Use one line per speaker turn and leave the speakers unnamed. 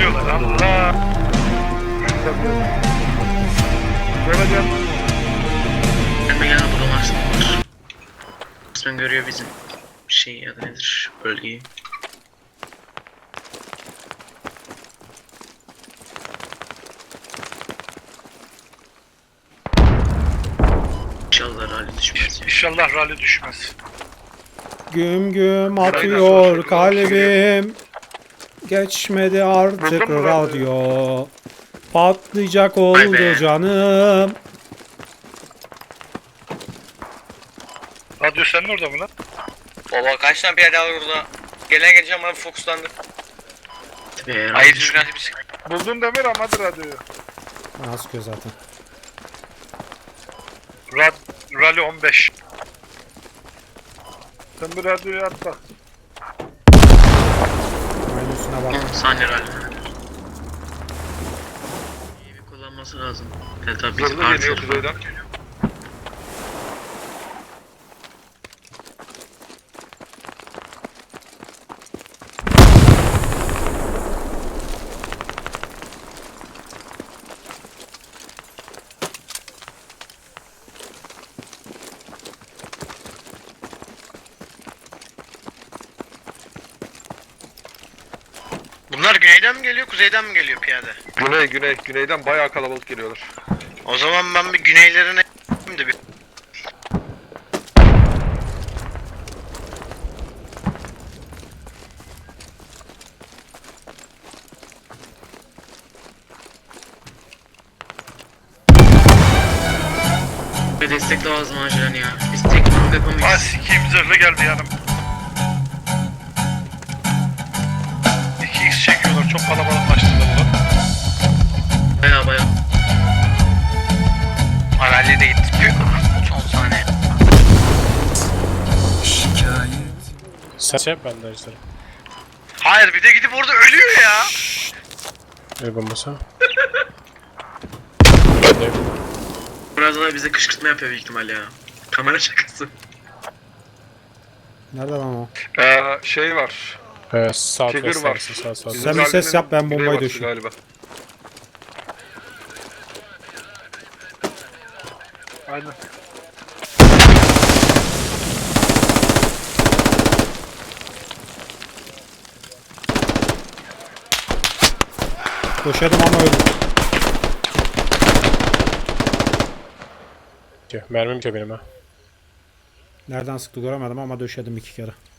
görüyorlar. Allah. Göreceğim.
Gelme gel bulamarsın. Osman görüyor bizim şeyi ya da nedir bölgeyi. İnşallah rally düşmez.
İnşallah rally düşmez.
Güm güm atıyor kalbim. Geçmedi artık
Buldun mu
radyo. Patlayacak
Vay
oldu
be.
canım.
Radyo senin orada mı lan?
Baba kaç tane piyade var burada? Gelen geleceğim bana fokuslandı.
Tabii
Ayıp düzgün bir şey.
Buldun Demir ama hadi radyoyu.
Bana sıkıyor zaten.
Rally 15. Sen bir radyoyu at bak.
Aynı üstüne bak.
10 saniye rally. İyi bir kullanması lazım. Evet tabii bizim
Zırhlı geliyor
artık.
kuzeyden.
Bunlar güneyden mi geliyor, kuzeyden mi geliyor piyade?
Güneyden bayağı kalabalık geliyorlar.
O zaman ben bir güneylerine de bir...
Bir destek lazım acilen ya. Biz tek tank
Ha
yapamayız.
sikiyim zırhlı geldi yanım. 2x çekiyorlar çok kalabalıklaştılar ulan.
Baya baya.
Rally'de gitti. Son saniye.
Sen şey yap ben de izlerim.
Hayır bir de gidip orada ölüyor ya.
El bombası.
Biraz daha bize kışkırtma yapıyor büyük ihtimal ya. Kamera şakası.
Nerede lan o?
Şey var.
Sağ
Trigger
west
var.
arası sağ sağ.
Sen bir ses yap, ben bombayı
Güneybatısı
döşeyim.
galiba. Aynen.
Döşedim ama öldüm.
Mermim ki benim ha.
Nereden sıktı göremedim ama döşedim 2 kere.